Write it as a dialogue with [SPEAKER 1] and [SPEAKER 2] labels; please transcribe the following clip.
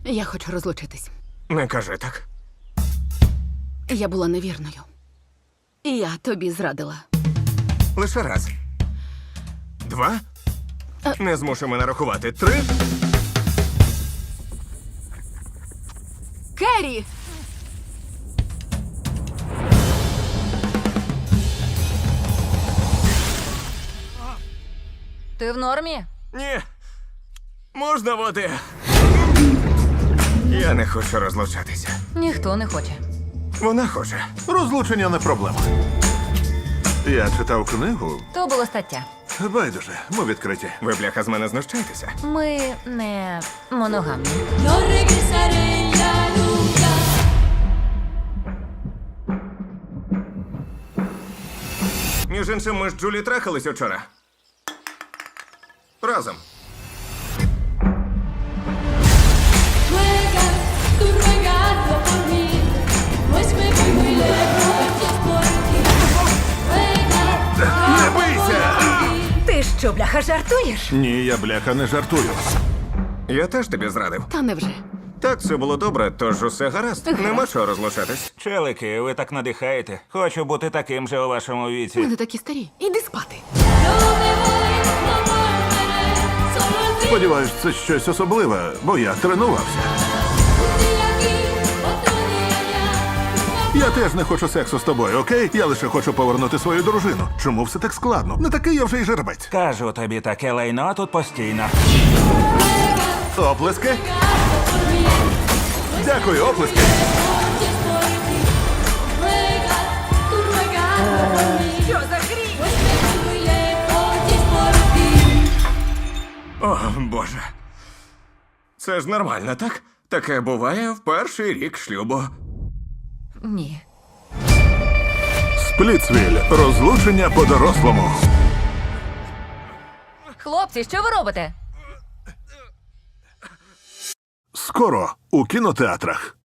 [SPEAKER 1] Я хочу розлучитись.
[SPEAKER 2] Не кажи так.
[SPEAKER 1] Я була невірною. І я тобі зрадила.
[SPEAKER 2] Лише раз. 2. Не змушуй мене рахувати. 3.
[SPEAKER 1] Керрі!
[SPEAKER 3] Ти в нормі?
[SPEAKER 2] Ні. Можна води? Я не хочу розлучатися.
[SPEAKER 3] Ніхто не хоче.
[SPEAKER 2] Вона хоче.
[SPEAKER 4] Розлучення не проблема. Я читав книгу.
[SPEAKER 3] То було стаття.
[SPEAKER 4] Байдуже, ми відкриті.
[SPEAKER 2] Ви, бляха, з мене знущаєтеся?
[SPEAKER 3] Ми не моногамні.
[SPEAKER 5] No regresaré ya nunca.
[SPEAKER 2] Між іншим, ми з Джулі трахались учора. Разом.
[SPEAKER 5] Ruega, tú ruegando por mí, pues me voy muy lejos y es por ti. Ruega,
[SPEAKER 4] Не бийся!
[SPEAKER 3] Ти що, бляха, жартуєш?
[SPEAKER 4] Ні, я бляха не жартую.
[SPEAKER 2] Я теж тобі зрадив.
[SPEAKER 1] Та невже?
[SPEAKER 2] Так, все було добре, тож усе гаразд. Нема чого розлучатись.
[SPEAKER 6] Челики, ви так надихаєте. Хочу бути таким же у вашому
[SPEAKER 1] Ми
[SPEAKER 6] віці.
[SPEAKER 1] не такі старі. Іди спати.
[SPEAKER 5] no me voy, no volveré, solo el fin.
[SPEAKER 4] Сподіваюсь, це щось особливе, бо я тренувався.
[SPEAKER 5] Un día aquí, otro día allá.
[SPEAKER 4] Я теж не хочу сексу з тобою, окей? Я лише хочу повернути свою дружину. Чому все так складно? Не такий я вже й жеребець.
[SPEAKER 6] Кажу тобі, таке лайно тут постійно.
[SPEAKER 4] Оплески? Дякую, оплески.
[SPEAKER 5] Y es por ti. Ruega, tú ruegando por mí,
[SPEAKER 3] Що за хрінь?
[SPEAKER 5] pues me voy muy lejos y es por ti.
[SPEAKER 2] О, Боже. Це ж нормально, так? Таке буває в перший рік шлюбу.
[SPEAKER 3] Ні.
[SPEAKER 4] Сплітсвіль. Розлучення по-дорослому.
[SPEAKER 3] Хлопці, що ви робите?
[SPEAKER 4] Скоро у кінотеатрах.